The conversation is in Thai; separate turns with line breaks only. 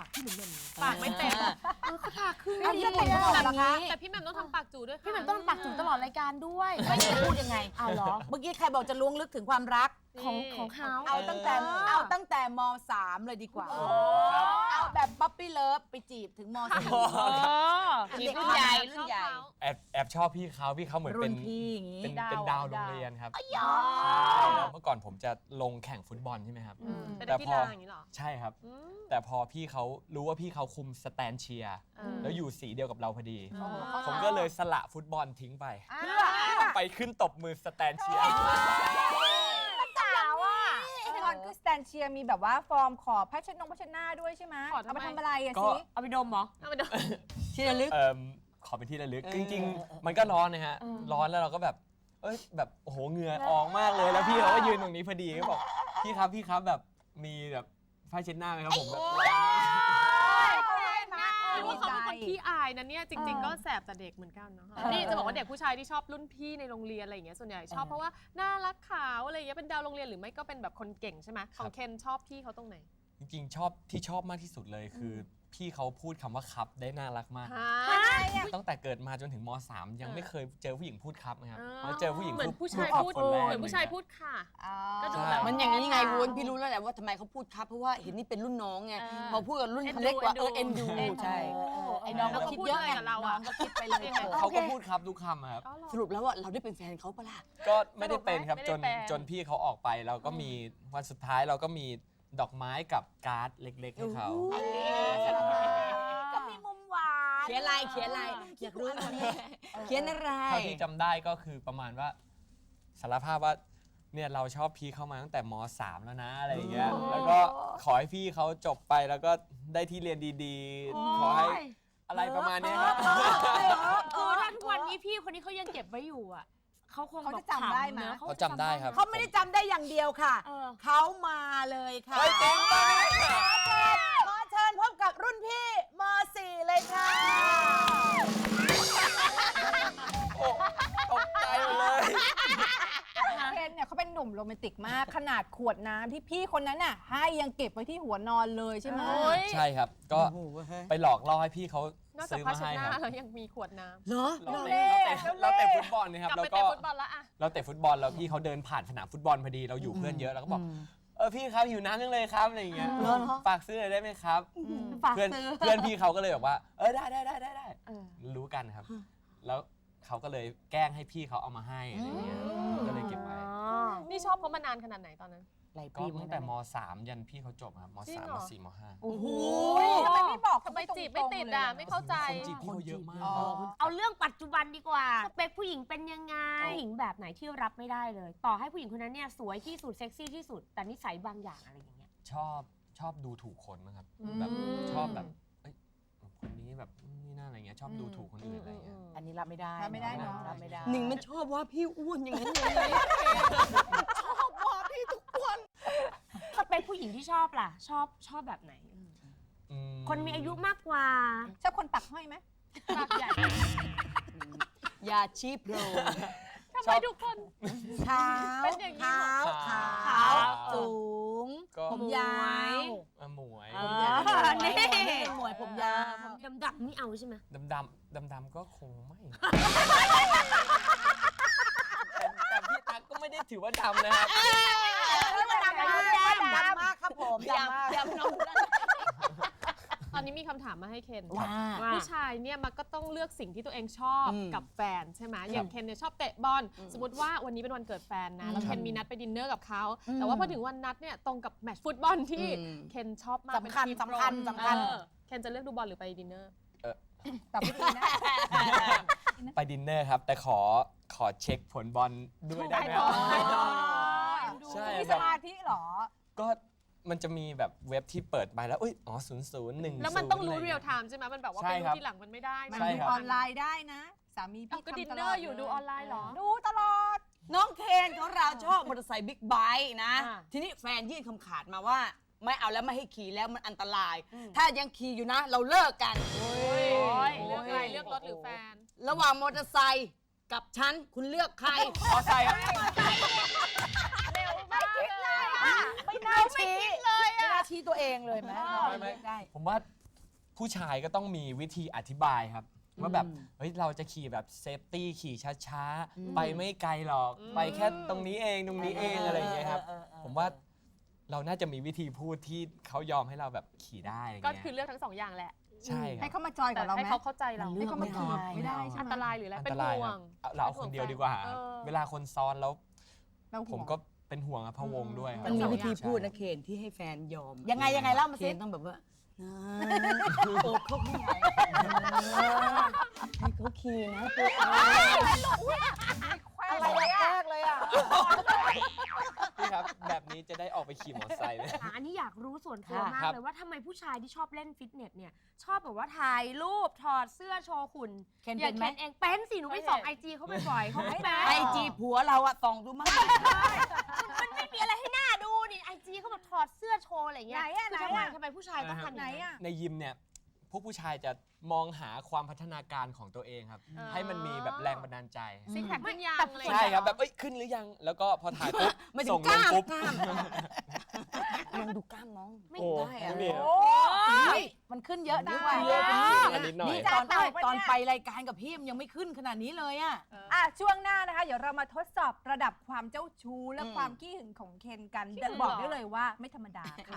ากพี่หนุ่มๆ
ปากไม่เต็ม
เขาทาครึ่ง
เอาพี่เป็นตลอดเหรอคะ
แต่พี่แหม่มต้องทำปากจูด้วยค่ะ
พี่หนุ่มต้องปากจุ๋มตลอดรายการด้วยไม่พูดยังไงเอาเหรอ
เมื่อกี้ใครบอกจะล้วงลึกถึงความรัก
ของเขา
เอาตั้งแต่ม.3 เลยดีกว่า เอาแบบป๊อปปี้เลิฟไปจีบถึงม.4
จีบรุ่นใหญ่รุ่นใหญ่
แอบชอบพี่เขาเหมือน
รุ่
เป็น
นพี่อย่างงี้
เป็นดาวโรงเรียนครับใช่แล้วเมื่อก่อนผมจะลงแข่งฟุตบอลใช่ไหมครับ
เป็นนักกีฬาอย่างนี้เหรอ
ใช่ครับ แต่พอพี่เขารู้ว่าพี่เขาคุมสแตนเชียร์แล้วอยู่สีเดียวกับเราพอดี ผมก็เลยสละฟุตบอลทิ้งไป ไปขึ้นตบมือสแตนเชียร์
สาวอ่ะไอ้ตอนคือสแตนเชียร์มีแบบว่าฟอร์มขอพัชหน้าด้วยใช่ไหม
ขอทำไม
เอาไปทำอะไรอะ
ก็
สิ
เอาไปดมเหรอ
เอาไปดู
ที่ระลึก
ขอเป็นที่ระลึกจริงๆ มันก็ร้อนนะฮะ ร้อนแล้วเราก็แบบแบบโอ้โหเหงื่อออกมากเลยแล้วพี่เขาก็ยืนตรงนี้พอดีก็บอกพี่ครับแบบมีแบบผ้าเช็ดหน้าไหมครับผมแบบ
รู้ว่าเขาเป็นคนขี้อายนะเนี่ยจริง ๆ ก็แสบแต่เด็กเหมือนกันเนาะนี่จะบอกว่าเด็กผู้ชายที่ชอบรุ่นพี่ในโรงเรียนอะไรอย่างเงี้ยส่วนใหญ่ชอบเพราะว่าน่ารักขาวอะไรอย่างเงี้ยเป็นดาวโรงเรียนหรือไม่ก็เป็นแบบคนเก่งใช่ไหมของเคนชอบพี่เขาตรงไหน
จริงๆชอบมากที่สุดเลยคือพี่เขาพูดคำว่าครับได้น่ารักมาก ตั้งแต่เกิดมาจนถึงม.3 ยังไม่เคยเจอผู้หญิงพูดครับนะครับมาเจอผู้หญิง
เหมือนผู้ชายพูด
คนแรก
เหมือนผู้ชายพูดค่ะ ก็ดู
ใช่
แบบ
มันอย่างนี้ไงวุ้นพี่รู้แล้วแหละว่าทำไมเขาพูดครับเพราะว่าเห็นนี่เป็นรุ่นน้องไงพอพูดกับรุ่นเล็กกว่าเอ็นดูใช่
ไอ้น้อง
แล้ว
ก็
ก็
คิด
พูด
เยอะ
อะไร
ไง
กับเรา
น้อ
อะ
งก็คิดไปเลย
เขาก็พูดครับทุกคำครับ
สรุปแล้วว่าเราได้เป็นแฟนเขาปะล่ะ
ก็ไม่ได้เป็นครับ
ไม่ได้เป็น
จนพี่เขาออกไปเราก็มีวันสุดท้ายเราก็มีดอกไม้กับการ์ดเล็กๆให้เขา
ก็มีมุมหวาน
เขียนอะไรอยากรู้เขียนอะไร
เท่าที่จำได้ก็คือประมาณว่าสารภาพว่าเนี่ยเราชอบพี่เข้ามาตั้งแต่ม.3 แล้วนะอะไรอย่างเงี้ยแล้วก็ขอให้พี่เขาจบไปแล้วก็ได้ที่เรียนดีๆ ขอให้อะไรประมาณเนี้ยครับ
คือถ้าทุกวันนี้พี่คนนี้เขายังเก็บไว้อยู่อ่ะเขาคง
เขาจะจำได้ไหม
เขาจำได้ครับ
เขาไม่ได้จำได้อย่างเดียวค่ะ เขามาเลยค่ะ
เฮ้ยเก่งมาก
ขอเชิญพบกับรุ่นพี่ม.4 เลยค่ะ
โอ้ตกใจหมดเลย
เคนเนี่ยเขาเป็นหนุ่มโรแมนติกมากขนาดขวดน้ำที่พี่คนนั้นน่ะให้ยังเก็บไว้ที่หัวนอนเลยใช่ไหม
ใช่ครับก็ไปหลอกล่อให้พี่เขา
นอกจาก
ซื้อ
ผ้า
มา
เช็ด
ให้
หน้า
ครับ
แล้วยังมีขวดน้ำ
เหรอ
เราเตะฟุตบอลนะครับ
กลับ
แล้ว
ไป
ก็
เตะฟุตบอลแล้วอะ
เราเตะฟุตบอลแล้วพี่เขาเดินผ่านสนามฟุตบอลพอดีเราอยู่เพื่อนเยอะเราก็บอกพี่ครับหิวน้ำจังเลยครับอะไรอย่างเงี้ยฝากซื้อหน่อยได้ไหมครับเพื่อนพี่เขาก็เลยแบบว่าได้รู้กันครับ แล้วเขาก็เลยแกล้งให้พี่เขาเอามาให้อะไรอย่างเงี้ยก็เลยเก็บไว้
นี่ชอบเขามานานขนาดไหนตอนนั้น
ก็ตั้งแต่ม.3 ยันพี่เขาจบครับม
จริง
.3
เหร
ม
อ
.4 ม.5
โอ้โหทำไมไม่บอก
ทำไมจีบไม่ติดอ่ะไม่เข้าใจ
คนจีบพี่เขาเยอะมาก
เอาเรื่องปัจจุบันดีกว่าสเปคผู้หญิงเป็นยังไงผู้หญิงแบบไหนที่รับไม่ได้เลย ต่อให้ผู้หญิงคนนั้นเนี่ยสวยที่สุดเซ็กซี่ที่สุดแต่นิสัยบางอย่างอะไรอย่างเงี้ย
ชอบดูถูกคนมั้งครับแบบชอบแบบเอ้ยคนนี้แบบนี่น่าอะไรเงี้ยชอบดูถูกคนอื่นอะไรเงี้ย
อันนี้รับไม่ได้รับไม่ได้เนาะรับไม่ได้
หนึ่งมันชอบว่าพี่อ้วนอย่างนั้นเลย
สเปคผู้หญิงที่ชอบล่ะชอบแบบไหน คนมีอายุมากกว่า
ชอบคนปักห้อยไหม
ปากใหญ่
ยาชีพโร
ทำไมทุกคน
ขาว
เป็นอย่างนี้
ขาวสูง
ก็
ผมยาว
หมวย
นี่
หมวยผมยาว
ดำๆไม่เอาใช่ไหม
ดำก็คงไม่ แต่พี่ตั๊กก็ไม่ได้ถือว่าดำนะครับ
ดำมากครับผมดำมาก
ตอนนี้มีคำถามมาให้เคน
ว่า
ผู้ชายเนี่ยมันก็ต้องเลือกสิ่งที่ตัวเองชอบกับแฟนใช่ไหมอย่างเคนเนี่ยชอบเตะบอลสมมติว่าวันนี้เป็นวันเกิดแฟนนะแล้วเคนมีนัดไปดินเนอร์กับเขาแต่ว่าพอถึงวันนัดเนี่ยตรงกับแมตช์ฟุตบอลที่เคนชอบมาก
สำคัญ
เป็นทีม
สำคัญ
โปร
สำคัญ
เคนจะเลือกดูบอลหรือไปดินเนอร์
แต่ไม่ดีนะ
ไปดินเนอร์ครับ แต่ขอเช็คผลบอลด้วยได้ไหมครับ ใช่
มี
แบ
ส
บ
มาธิเหรอ
ก็มันจะมีแบบเว็บที่เปิดไปแล้วอ๋อ0-0-1
แล้วมันต้องรู้เรียลไทม์ใช่ไหมมันแบบว่า
ใช่
ไป
ค
ดู
รับ
ทีหลังมันไม่ได้
มัน
นะ
ใช่
ดู
ครับ
ออนไลน์ได้นะ สามีพี่
ก็
ทำ
ดิน
ต
เน
ล
อ
อด
ร์อยู่ดูออนไลน์เหรอ
ดูตลอด
น้องเคนของเราชอบมอเตอร์ไซค์บิ๊กไบค์นะ
อ่า
ทีนี้แฟนยื่นคำขาดมาว่า ไม่เอาแล้วไม่ให้ขี่แล้วมันอันตราย ถ้ายังขี่อยู่นะ เราเลิกกัน
เลือกอะไรเลือกรถหรือแฟน
ระหว่างมอเตอร์ไซค์กับฉันคุณเลือกใคร
ขอใส่ครับ
ไม่คิดเลยอ่ะไม่น่าชี้เลยอ่ะไม่น่าชี้ตัวเองเลยไหม
ไม่
ได้
ผมผมว่าผู้ชายก็ต้องมีวิธีอธิบายครับ ว่าแบบเฮ้ยเราจะขี่แบบเซฟตี้ขี่ช้าๆ ไปไม่ไกลหรอก ไปแค่ตรงนี้เองอะไรอย่างเงี้ยครับ ผมว่าเราน่าจะมีวิธีพูดที่เขายอมให้เราแบบขี่ได้อะไร
ก็
เงี้ย
คือเลือกทั้งสองอย่างแหละ
ใช่ค
ให้
รับ
เขามาจอยกับเรา
ให้
ไหม
เขาเข้าใจเรา
มันเลื
ให้
อก
เขามาจีบไม่ได้ใช่
อัน
ไหม
ตรายหรืออะไร
อัน
เป็
ต
น
ราย
ห่ว
ครับ
ง
เราเอาคนเดียวดีกว่า
เออ
เวลาคนซ้อนแล้ว
เราห่วง
ผมก็เป็นห่วงอะพะวงด้วยครับ
มันมีวิธี
ใช่
พูดนะเคนที่ให้แฟนยอม
ยังไงเล่ามา
เคน
สิ
ต้องแบบว่าโอบเขาไม่ไหวให้เขาขี่นะตัว
อะไรแรกเลยอ่ะ
พี่ครับแบบนี้จะได้ออกไปขี่มอเตอร์ไซค์ไหม
อันนี้อยากรู้ส่วนตัวมาก
ครับ
เลยว่าทำไมผู้ชายที่ชอบเล่นฟิตเนสเนี่ยชอบแบบว่าถ่ายรูปถอดเสื้อโชว์หุ่น
เคน
อ
เป็
ย่าง
นไหม
เคนเองเป็นสิหนูไปส่องไอจีเขาบ่อยๆเขาไม่เป็น
ไอจีผัวเราอะส่องดูมั้ง
มันไม่มีอะไรให้หน้าดูนี่ไอจีเขาแบบถอดเสื้อโชว์อะไรอย่างเงี้ย
ไหนอะ
คือ
ไหน
ทำไม
อะ
ทำไมผู้ชายต้องทำ
ไหน
อย่าง
อ่ะ
ในยิมเนี่ยพวกผู้ชายจะมองหาความพัฒนาการของตัวเองครับ ให้มันมีแบบแรงบันดาลใจ
ซิกแพคขึ้นยางอะไร
ใช่ครับแบบเอ้ยขึ้นหรือยัง แล้วก็พอถ่ายปุ๊บ
ไม่ถึ
ส่
ง
ง
ก
ล
ล้าง ม
ปุ๊บ
กล้ามลองดูกล้ามน้อง
โอ้
ได้อะ
นี่
โอ้
มันขึ้นเยอะด้วย
เยอะอันนิดหน่อย
นี่ตอนไปรายการกับพี่มันยังไม่ขึ้นขนาดนี้เลยอะ
อ่ะช่วงหน้านะคะ เดี๋ยวเรามาทดสอบระดับความเจ้าชู้และความขี้หึงของเคนกันบอกได้เลยว่าไม่ธรรมดาค่ะ